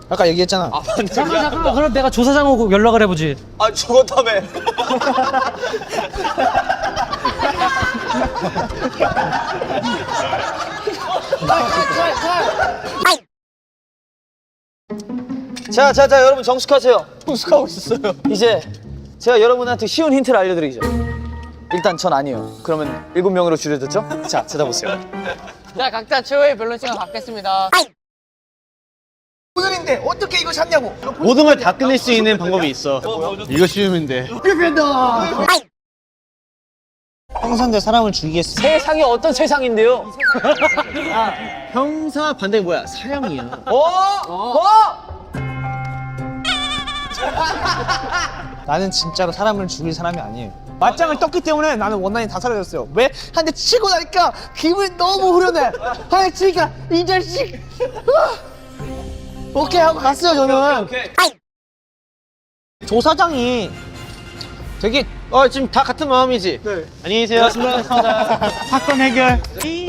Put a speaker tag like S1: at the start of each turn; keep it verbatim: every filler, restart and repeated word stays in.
S1: 아까 얘기했잖아.
S2: 아, 맞네.
S3: 잠깐 잠깐 그럼 내가 조사장하고 연락을 해보지.
S2: 아, 죽었다며.
S4: 자, 자, 자, 여러분 정숙하세요. 정숙하고 있었어요. 이제 제가 여러분한테 쉬운 힌트를 알려드리죠. 일단 전 아니에요. 그러면 일곱 명으로 줄여졌죠? 자, 찾아보세요.
S5: 자, 각자 최후의 밸런싱을 받겠습니다.
S1: 오늘인데 어떻게 이거 샀냐고.
S6: 모든 걸 다 끝낼 수 있는 방법이 있어. 이거 쉬우면 돼.
S1: 형사인데 사람을 죽이겠어.
S4: 세상이 어떤 세상인데요?
S6: 형사 반대 뭐야? 사형이야.
S4: 어? 어?
S1: 나는 진짜로 사람을 죽일 사람이 아니에요. 맞짱을 떴기 때문에 나는 원한이 다 사라졌어요. 왜? 한 대 치고 나니까 기분이 너무 후련해. 한 대 치니까 이 자식. 오케이 하고 갔어요 저는.
S4: 오케이.
S1: 조사장이
S6: 되게 어 지금 다 같은 마음이지. 네. 안녕히 계세요. 고맙습니다. 사건 해결.